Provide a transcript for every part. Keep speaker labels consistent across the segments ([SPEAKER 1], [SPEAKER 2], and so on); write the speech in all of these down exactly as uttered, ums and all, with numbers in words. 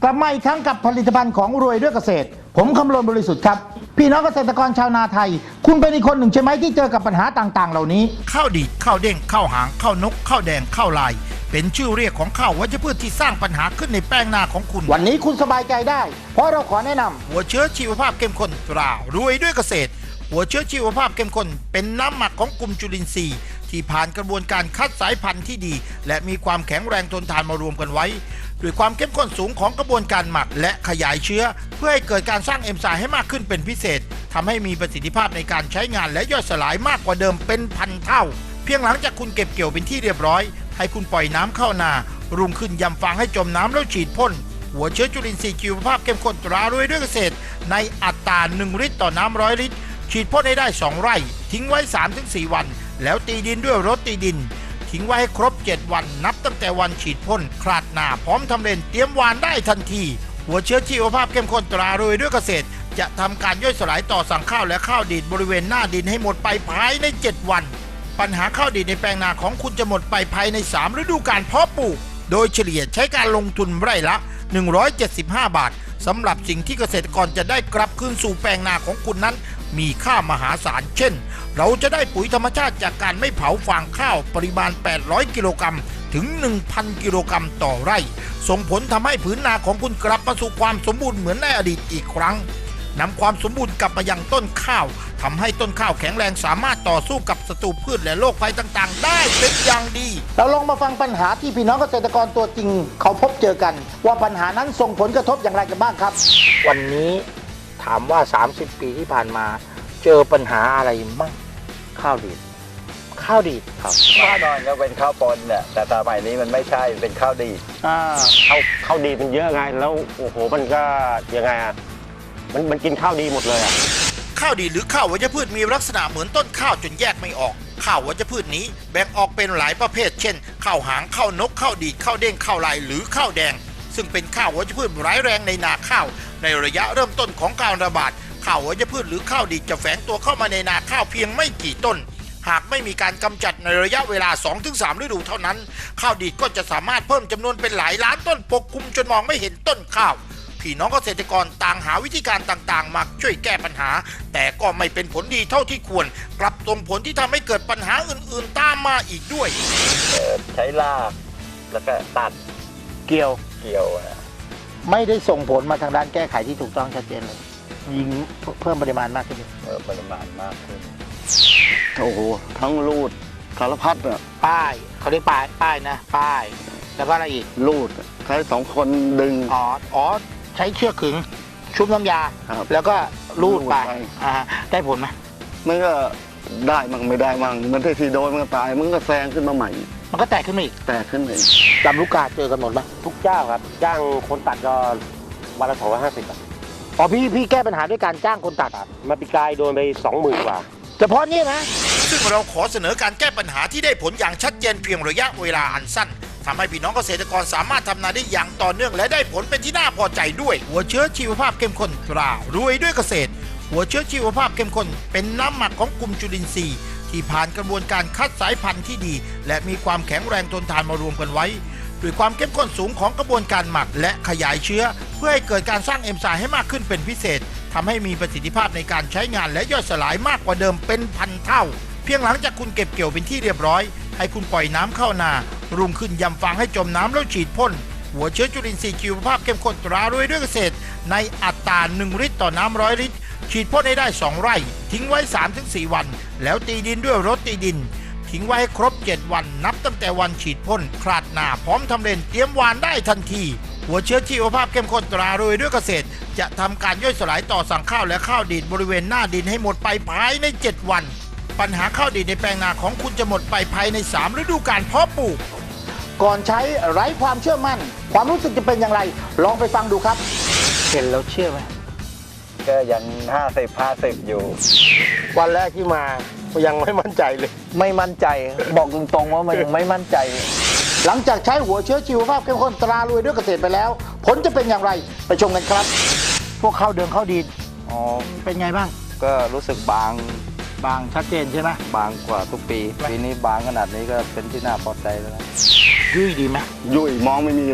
[SPEAKER 1] กลับมาอีกครั้งกับผลิตภัณฑ์ของรวยด้วยเกษตรผมคำรณบริสุทธิ์ครับพี่น้องเกษตรกรชาวนาไทยคุณเป็นอีกคนหนึ่งใช่ไหมที่เจอกับปัญหาต่างๆเหล่านี้
[SPEAKER 2] ข้าวดีดข้าวเด้งข้าวหางข้าวนกข้าวแดงข้าวลายเป็นชื่อเรียกของข้าววัชพืชที่สร้างปัญหาขึ้นในแป้งนาของคุณ
[SPEAKER 1] วันนี้คุณสบายใจได้เพราะเราขอแนะนำ
[SPEAKER 2] หัวเชื้อชีวภาพเข้มข้นตรารวยด้วยเกษตรหัวเชื้อชีวภาพเข้มข้นเป็นน้ำหมักของกลุ่มจุลินทรีย์ที่ผ่านกระบวนการคัดสายพันธุ์ที่ดีและมีความแข็งแรงทนทานมารวมกันไว้ด้วยความเข้มข้นสูงของกระบวนการหมักและขยายเชื้อเพื่อให้เกิดการสร้างเอนไซม์ให้มากขึ้นเป็นพิเศษทำให้มีประสิทธิภาพในการใช้งานและย่อยสลายมากกว่าเดิมเป็นพันเท่าเพียงหลังจากคุณเก็บเกี่ยวเป็นที่เรียบร้อยให้คุณปล่อยน้ำเข้านารุ่งขึ้นยำฟางให้จมน้ำแล้วฉีดพ่นหัวเชื้อจุลินทรีย์ชีวภาพเข้มข้นตรารวยด้วยเกษตรในอัตราหนึ่งลิตรต่อน้ำร้อยลิตรฉีดพ่นให้ได้สองไร่ทิ้งไว้ สามถึงสี่ วันแล้วตีดินด้วยรถตีดินทิ้งไว้ให้ครบเจ็ดวันนับตั้งแต่วันฉีดพ่นคลาดหน้าพร้อมทำเลนเตรียมหว่านได้ทันทีหัวเชื้อชีวภาพเข้มข้นตรารวยด้วยเกษตรจะทำการย่อยสลายต่อสั่งข้าวและข้าวดีดบริเวณหน้าดินให้หมดไปภายในเจ็ดวันปัญหาข้าวดีดในแปลงนาของคุณจะหมดไปภายในสามฤดูกาลเพาะปลูกโดยเฉลี่ยใช้การลงทุนไร่ละหนึ่งร้อยเจ็ดสิบห้าบาทสำหรับสิ่งที่เกษตรกรจะได้กลับคืนสู่แปลงนาของคุณนั้นมีค่ามหาศาลเช่นเราจะได้ปุ๋ยธรรมชาติจากการไม่เผาฟางข้าวปริมาณแปดร้อยกิโลกรัมถึง หนึ่งพัน กิโลกรัมต่อไร่ส่งผลทำให้ผืนนาของคุณกลับมาสู่ความสมบูรณ์เหมือนในอดีตอีกครั้งนำความสมบูรณ์กลับมายังต้นข้าวทำให้ต้นข้าวแข็งแรงสามารถต่อสู้กับศัตรูพืชและโรคภัยต่างๆได้เป็นอย่างดี
[SPEAKER 1] เราลองมาฟังปัญหาที่พี่น้องเกษตรกรตัวจริงเขาพบเจอกันว่าปัญหานั้นส่งผลกระทบอย่างไรกันบ้างครับวันนี้ถามว่าสามสิบปีที่ผ่านมาเจอปัญหาอะไรบ้างข้าวดีดข้าวดีดครับ
[SPEAKER 3] ข้าวนอนก็เป็นข้าวปนเนี่ยแต่สมัยนี้มันไม่ใช่เป็นข้าวดีด
[SPEAKER 4] อ่าข้าวข้าวดีดมันเยอะไงแล้วโอ้โหมันก็ยังไงอ่ะมันมันกินข้าวดีหมดเลยอ่ะ
[SPEAKER 2] ข้าวดีหรือข้าววัชพืชมีลักษณะเหมือนต้นข้าวจนแยกไม่ออกข้าววัชพืชนี้แบ่งออกเป็นหลายประเภทเช่นข้าวหางข้าวนกข้าวดีดข้าวเด้งข้าวลายหรือข้าวแดงซึ่งเป็นข้าววัชพืชร้ายแรงในนาข้าวในระยะเริ่มต้นของการระบาดข้าววัชพืชหรือข้าวดีดจะแฝงตัวเข้ามาในนาข้าวเพียงไม่กี่ต้นหากไม่มีการกำจัดในระยะเวลา สองถึงสาม ฤดูเท่านั้นข้าวดีดก็จะสามารถเพิ่มจำนวนเป็นหลายล้านต้นปกคลุมจนมองไม่เห็นต้นข้าวพี่น้องเกษตรกรต่างหาวิธีการต่างๆมาช่วยแก้ปัญหาแต่ก็ไม่เป็นผลดีเท่าที่ควรกลับส่งผลที่ทำให้เกิดปัญหาอื่นๆตามมาอีกด้วย
[SPEAKER 3] ใช้ลากแล้วก็ตัด
[SPEAKER 1] เกี่ยว
[SPEAKER 3] เกี่ยว
[SPEAKER 1] ไม่ได้ส่งผลมาทางด้านแก้ไขที่ถูกต้องชัดเจนเลยยิงเพิ่มปริมาณมากขึ้น
[SPEAKER 3] เพิ่มปริมาณมากขึ้น
[SPEAKER 4] โอ้โหทั้งรูดสารพัดอ่ะ
[SPEAKER 1] ป้ายเขาเรียกป้ายป้ายนะป้ายแล้วก็อะไรอีก
[SPEAKER 4] รูดใช้สองคนดึง
[SPEAKER 1] อ๋ออ๋อใช้เชือกขึงชุบน้ำยาแล้วก็รูดไปอ่าได้ผลไหม
[SPEAKER 4] มันก็ได้มั่งไม่ได้มั่งมันที่ทีโดนมันก็ตายมันก็แซงขึ้นมาใหม่
[SPEAKER 1] มันก็แตกขึ้นมาอีก
[SPEAKER 4] แตกขึ้นเอง
[SPEAKER 1] ลำลูกกาเจอกันหมดไหม
[SPEAKER 4] ทุกเจ้าครับจ้างคนตัดก็วันละสองร้อยห้าสิบ
[SPEAKER 1] อ๋อพี่พี่แก้ปัญหาด้วยการจ้างคนตัด
[SPEAKER 4] มาปีกายโดนไปสองหมื่นกว่า
[SPEAKER 1] เฉพาะนี่นะ
[SPEAKER 2] ซึ่งเราขอเสนอการแก้ปัญหาที่ได้ผลอย่างชัดเจนเพียงระยะเวลาอันสั้นทำให้พี่น้องเกษตรกรสามารถทำนาได้อย่างต่อเนื่องและได้ผลเป็นที่น่าพอใจด้วยหัวเชื้อชีวภาพเข้มข้นตรารวยด้วยเกษตรหัวเชื้อชีวภาพเข้มข้นเป็นน้ำหมักของกลุ่มจุลินทรีย์ที่ผ่านกระบวนการคัดสายพันธุ์ที่ดีและมีความแข็งแรงทนทานมารวมกันไว้ด้วยความเข้มข้นสูงของกระบวนการหมักและขยายเชื้อเพื่อให้เกิดการสร้างเอนไซม์ให้มากขึ้นเป็นพิเศษทำให้มีประสิทธิภาพในการใช้งานและย่อยสลายมากกว่าเดิมเป็นพันเท่าเพียงหลังจากคุณเก็บเกี่ยวเป็นที่เรียบร้อยให้คุณปล่อยน้ำเข้านารุ่งขึ้นยำฟางให้จมน้ำแล้วฉีดพ่นหัวเชื้อจุลินทรีย์ชีวภาพเข้มข้นตรารวยด้วยเกษตรในอัตราหนึ่งลิตรต่อน้ำร้อยลิตรฉีดพ่นให้ได้สองไร่ทิ้งไว้ สามถึงสี่ วันแล้วตีดินด้วยรถตีดินทิ้งไว้ให้ครบเจ็ดวันนับตั้งแต่วันฉีดพ่นคลาดหน้าพร้อมทำเลนเตรียมหว่านได้ทันทีหัวเชื้อชีวภาพเข้มข้นตรารวยด้วยเกษตรจะทำการย่อยสลายต่อสั่งข้าวและข้าวดีดบริเวณหน้าดินให้หมดไปภายในเจ็ดวันปัญหาข้าวดีดในแปลงนาของคุณจะหมดไปภายในสามฤดูกาลเพาะปลูกก่อนใช้ไร้ความเชื่อมั่นความรู้สึกจะเป็นอย่างไรลองไปฟังดูครับเห็นแล้วเชื่อไหม
[SPEAKER 3] ก็ยังห้าสิบ ห้าสิบอยู่
[SPEAKER 1] วันแรกที่มายังไม่มั่นใจเลย
[SPEAKER 3] ไม่มั่นใจบอกตรงๆว่ามันยังไม่มั่นใจ
[SPEAKER 1] หลังจากใช้หัวเชื้อชีวภาพเข้มข้นตรารวยด้วยเกษตรไปแล้วผลจะเป็นอย่างไรไปชมกันครับพวกข้าวเดิมข้าวดีดอ๋อเป็นไงบ้าง
[SPEAKER 3] ก็รู้สึกบาง
[SPEAKER 1] บางชัดเจนใช่ไหม
[SPEAKER 3] บางกว่าทุกปีปีนี้บางขนาดนี้ก็เป็นที่น่าพอใจแล้วนะ
[SPEAKER 1] ยุ่ยดีไหม
[SPEAKER 4] ยุ่ยมองไม่มีเลยครับ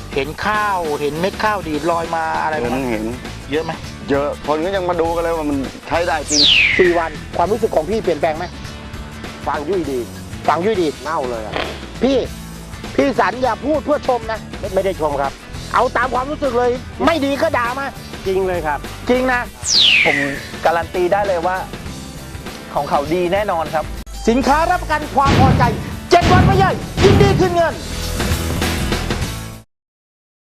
[SPEAKER 1] เห็นข้าวเห็นเม็ดข้าวดีดลอยมาอะไร
[SPEAKER 5] เห็น
[SPEAKER 1] บ้าง
[SPEAKER 5] เห็น
[SPEAKER 1] เยอะไหม
[SPEAKER 5] เยอะคนก็ยังมาดูกันเลยว่ามันใช้ได้จริง
[SPEAKER 1] สี่วันความรู้สึกของพี่เปลี่ยนแปลงไหม
[SPEAKER 4] ฟางยุ่ยดี
[SPEAKER 1] ฟังยุ่ยดี
[SPEAKER 4] เน่าเลยอ่ะ
[SPEAKER 1] พี่พี่สันอย่าพูดเพื่อชมนะ
[SPEAKER 4] ไม่ไม่ได้ชมครับ
[SPEAKER 1] เอาตามความรู้สึกเลย ไม่ดีก็ด่ามา
[SPEAKER 4] จริงเลยครับ
[SPEAKER 1] จริงนะ
[SPEAKER 6] ผมการันตีได้เลยว่า ของเขาดีแน่นอนครับ
[SPEAKER 1] สินค้ารับประกันความพอใจเจ็ดวันไม่ย่อยยินดีคืนเงิน